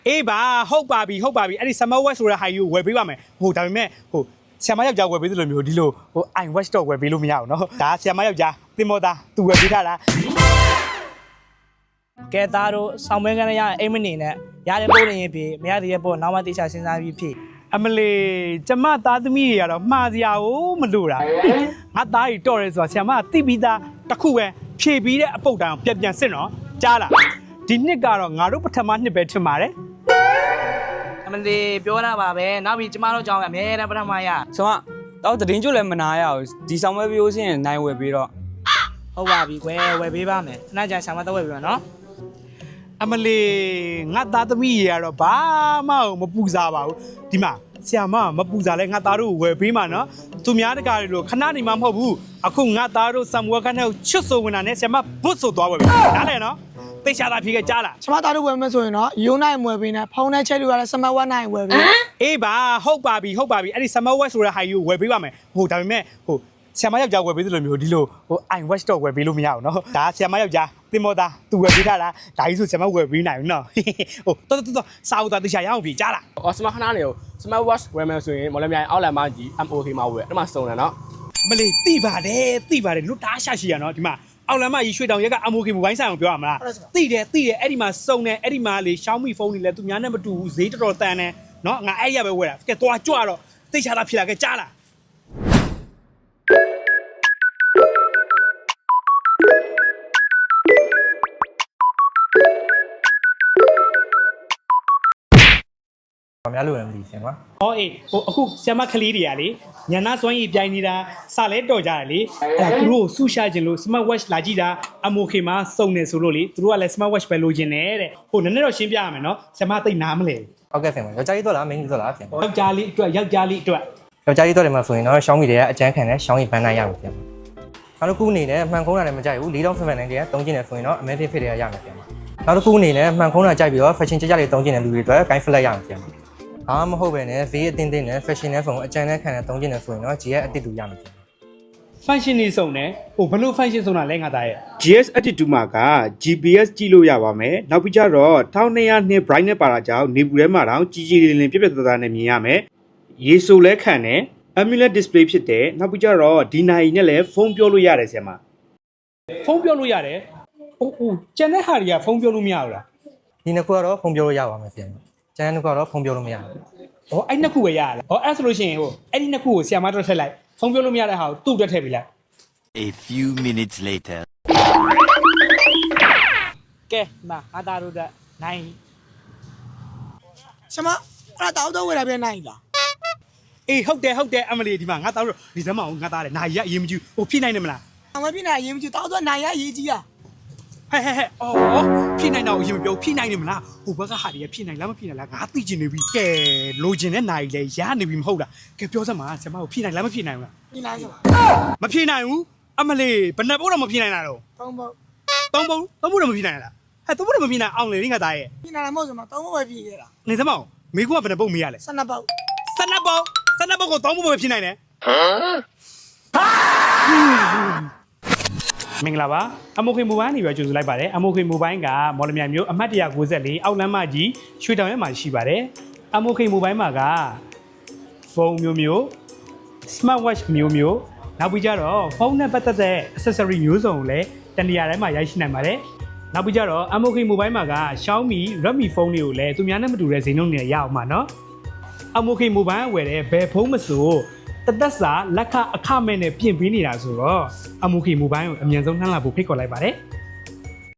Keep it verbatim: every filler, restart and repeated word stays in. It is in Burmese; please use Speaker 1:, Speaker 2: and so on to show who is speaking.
Speaker 1: အေးပါဟုတ်ပါပြီဟုတ်ပါပြီအဲ့ဒီ Summer Watch ဆိုတဲ့ဟာကြီးကိုဝယ်ပေးပါမယ်ဟိုဒါပေမဲ့ဟိုဆရာမယောက်ျားဝယ်ပေးသလိုမျိုးဒီလိုဟို I watch တော့ဝယ်ပေးလို့မရဘူးเนาะဒါဆရာမယောက်ျားတင်မောသားသူဝယ်ပေးထားတာ
Speaker 2: ကဲသားတို့ဆောင်းမဲကန်းရအိမ်မနေနဲ့ရတဲ့ပို့နေရင်ဖြစ်မရတဲ့ပို့နောက်မှတေချာစဉ်းစားပြီးဖြစ်
Speaker 1: အမလေးကျမသားသမီးတွေကတော့မှားစရာကိုမလိုတာငါသားကြီးတော့ရဲဆိုတာဆရာမကသိပြီးသားတစ်ခုပဲဖြည့်ပြီးတဲ့အပုတ်တန်ပြန်ပြန်စစ်နော်ကြားလားဒီနှစ်ကတော့ငါတို့ပထမနှစ်ပဲထင်ပါတယ်
Speaker 2: အမလေးပြောတာပါပဲနောက်ပြီးကျမတို့ကြောင်းအများနဲ့ပထမရ
Speaker 3: ဆိုတော့တတင်းကျွလည်းမနာရဘူးဒီဆောင်မဲပြောစင်းနိုင်ဝယ်ပြီးတော့
Speaker 2: ဟုတ်ပါပြီကွယ်ဝယ်ပေးပါမယ်ခဏကြာဆောင်းမတော့ဝယ်ပေးပါနော်
Speaker 1: အမလေးငါသားသမီးတွေကတော့ဘာမှမပူစားပါဘူးဒီမှာဆရာမမပူစားလဲငါသားတို့ဝယ်ပေးမှာနော်သူများတကာတွေလို့ခဏနေမှမဟုတ်ဘူးအခုငါသားတို့ဆမ်ဝဲခန်းထဲကိုချွတ်ဆိုဝင်တာနဲ့ဆရာမဘွတ်ဆိုသွားဝယ်ပေးနားလဲနော်သိချာတာဖြေခဲ့ကြားလား
Speaker 4: ဆရာမသားတို့ဝယ်မယ်ဆိုရင်တော့ယူနိုင်ဝယ်ပေးနေဖုန်းနဲ့ချက်လို့ရတဲ့ Summer Watch နိုင်ဝယ်ပေး
Speaker 1: အေးပါဟုတ်ပါပြီဟုတ်ပါပြီအဲ့ဒီ Summer Watch ဆိုတဲ့ဟာကြီးကိုဝယ်ပေးပါမယ်ဟိုဒါပေမဲ့ဟိုဆရာမယောက်ျားဝယ်ပေးသလိုမျိုးဒီလိုဟို I watch တော့ဝယ်ပေးလို့မရဘူးเนาะဒါဆရာမယောက်ျားတင်မောသားသူဝယ်ပေးထားတာဒါကြီးဆိုဆရာမဝယ်ပေးနိုင်ဘူးเนาะဟိုတော်တော်တော်စာအုပ်သားသိချာရအောင်ပြီကြားလား
Speaker 5: အော်စမခဏနေကို Smart Watch ဝယ်မယ်ဆိုရင်မော်လမြိုင်အောက်လန်မကြီး M O K မှာဝယ်အဲ့မှာစုံတယ်နော်
Speaker 1: အမလေးသိပါတယ်သိပါတယ်လွတ်တားရှာရှိရနော်ဒီမှာအောက်လန်မကြီးရွှေတောင်ရက်က M O K မိုဘိုင်းဆိုင်အောင်ပြောရမလားသိတယ်သိတယ်အဲ့ဒီမှာစုံတယ်အဲ့ဒီမှာလေ Xiaomi ဖုန်းတွေလည်းသူများနဲ့မတူဘူးဈေးတော်တော်တန်တယ်เนาะငါအဲ့ရပဲဝယ်တာကဲသွားကြွတော့သိချာတာဖြစ်လာကဲကြားလား
Speaker 6: ဘာများလို့လဲမသိဆင်ကွာ
Speaker 1: ဟောအေးဟိုအခုဆရာမကလေးတွေကလေညနာစွမ်းရည်ပြိုင်နေတာစလဲတော်ကြတယ်လေအဲ့ဒါသူတို့ကိုဆူရှာခြင်းလို့ Smart Watch လာကြည့်တာ M O K မှာစုံနေဆိုလို့လေသူတို့ကလည်း Smart Watch ပဲလိုချင်တယ်တဲ့ဟိုနည်းနည်းတော့ရှင်းပြရမယ်နော်ဆရာမသိနားမလဲ
Speaker 6: ဟုတ်ကဲ့ဆင်ပါယောက်ျားကြီးတော့လားမိန်းကလေးတော့လားဆင်
Speaker 1: ယောက်ျားလေးအတွက်ယောက်ျားလေးအတွက်
Speaker 6: ယောက်ျားကြီးတော့တယ်မှာဆိုရင်တော့ Xiaomi တွေကအကျန်းခံတဲ့ Xiaomi ဘန်းနိုင်ရမယ်ဆင်နောက်တစ်ခုအနေနဲ့မှန်ခုံးတာလည်းမကြိုက်ဘူး၄တောင်ဖက်ဖက်နိုင်တွေကတုံးကျင်တယ်ဆိုရင်တော့ Amazfit ဖြစ်တွေကရမယ်ဆင်နောက်တစ်ခုအနေနဲ့မှန်ခုံးတာကြိုက်ပြီးတော့ fashion ကြကြလေးတုံးကျင်တဲ့လူတွေအတွက် gain flat ရမယ်ဆင်ဘာမဟုတ်ပဲနဲ့ဈေးအတင်းတင်းနဲ့ fashion နဲ့ဖုန်းအကျန်းနဲ့ခံတဲ့တုံးကျင်တယ်ဆိုရင်တော့ G S အတစ်တူရမယ်
Speaker 1: function နေစုံတယ်ဟိုဘလို့ function စုံတာလဲငါသားရဲ့ G S Attitude မှာက G P S ကြည့်လို့ရပါမယ်နောက်ပြီးကြတော့twelve hundred နှစ် brightness ပါတာကြောင့်နေပူထဲမှာတောင်ကြီးကြီးလင်းလင်းပြက်ပြက်သားသားနဲ့မြင်ရမယ်ရေဆိုလဲခံတယ် AMOLED display ဖြစ်တယ်နောက်ပြီးကြတော့ဒီနိုင်နဲ့လည်းဖုန်းပြောလို့ရတယ်ဆရာမဖုန်းပြောလို့ရတယ်ဟိုဟိုကျန်တဲ့ဟာတွေကဖုန်းပြောလို့မရဘူးလား
Speaker 6: ဒီနှစ်ခုကတော့ဖုန်းပြောလို့ရပါမယ်ဆရာကျန်တဲ့နှစ်ခုကတော့ဖုန်းပြောလို့မရဘူး
Speaker 1: ဟောအဲ့နှစ်ခုပဲရရလားဟောအဲ့ဆိုလို့ရှိရင်ဟိုအဲ့ဒီနှစ်ခုကိုဆရာမတော့ထည့်လိုက်ဖုန်းပြောလို့မရတဲ့ဟာကိုသူ့တက်ထည့်ပေးလိုက်
Speaker 7: A few minutes later
Speaker 2: ကဲမအားသားတို့ကနိုင်
Speaker 4: ဆရာမအဲ့ဒါတောက်တော့ဝယ်တာပြန်နိုင်လား
Speaker 1: အေးဟုတ်တယ်ဟုတ်တယ်အမလီဒီမှာငါသားတို့ဒီစမ်းမအောင်ငါသားတယ်နိုင်ရအရင်မကြည့်ဟိုဖြည့်နိုင်တယ်မလား
Speaker 4: အမပြနိုင်အရင်မကြည့်တောက်တော့နိုင်ရအရေးကြီးอ่ะ
Speaker 1: ဟဲ့ဟဲ့ဟဲ့အော်ဖြည့်နိုင်တော့အရင်မပြောဖြည့်နိုင်တယ်မလားဟိုဘက်ကဟာတွေကဖြည့်နိုင်လားမဖြည့်နိုင်လားငါသိချင်နေပြီကဲလိုချင်တဲ့နိုင်လေရနေပြီမဟုတ်လားကဲပြောစမ်းပါဆရာမကိုဖြည့်နိုင်လားမဖြည့်နိုင်ဘူးလား
Speaker 4: ဖြည့်နိုင်ဆို
Speaker 1: မဖြည့်နိုင်ဘူးအမလီဘယ်နှပုတ်တော့မဖြည့်နိုင်တာတော့
Speaker 4: သုံးပုတ်
Speaker 1: သုံးပုတ်သုံးပုတ်တော့မဖြည့်နိုင်လားဟဲ့သုံးပုတ်တော့မဖြည့်နိုင်အောင်လေငါသားရဲ့
Speaker 4: ဖြည့်နိုင်မှာမဟုတ်စမသုံးပုတ်ပဲဖြည့်ခဲ့တာ
Speaker 1: နေစမ်းမအောင်မိကူကဘယ်နှပုတ်မေးရလဲ
Speaker 4: ဆယ်နှစ်ပုတ်
Speaker 1: ဆယ်နှစ်ပုတ်ဆယ်နှစ်ပုတ်ကိုသုံးပုတ်ပဲဖြည့်နိုင်တယ်မင်္ဂလာပါအမိုခေမိုဘိုင်းနေပြီးကြိုဆိုလိုက်ပါတယ်အမိုခေမိုဘိုင်းကမော်လမြိုင်မြို့အမှတ်one ninety-fourအောက်လမ်းမကြီးရွှေတောင်ရဲမှာရှိပါတယ်အမိုခေမိုဘိုင်းမှာကဖုန်းမျိုးမျိုး smart watch မျိုးမျိုးနောက်ပြီးကြတော့ဖုန်းနဲ့ပတ်သက်တဲ့ accessory မျိုးစုံကိုလည်းတနေရာတိုင်းမှာရရှိနိုင်ပါတယ်နောက်ပြီးကြတော့အမိုခေမိုဘိုင်းမှာက Xiaomi Redmi ဖုန်းတွေကိုလည်းသူများနဲ့မတူတဲ့ဈေးနှုန်းတွေရအောင်ပါနော်အမိုခေမိုဘိုင်းဝယ်တဲ့ဘယ်ဖုန်းမဆိုတသက်စာလက်ခအခမဲ့နဲ့ပြင်ပေးနေတာဆိုတော့အမိုခေမိုဘိုင်းကိုအမြန်ဆုံးနှမ်းလာဖို့ဖိတ်ခေါ်လိုက်ပါတယ်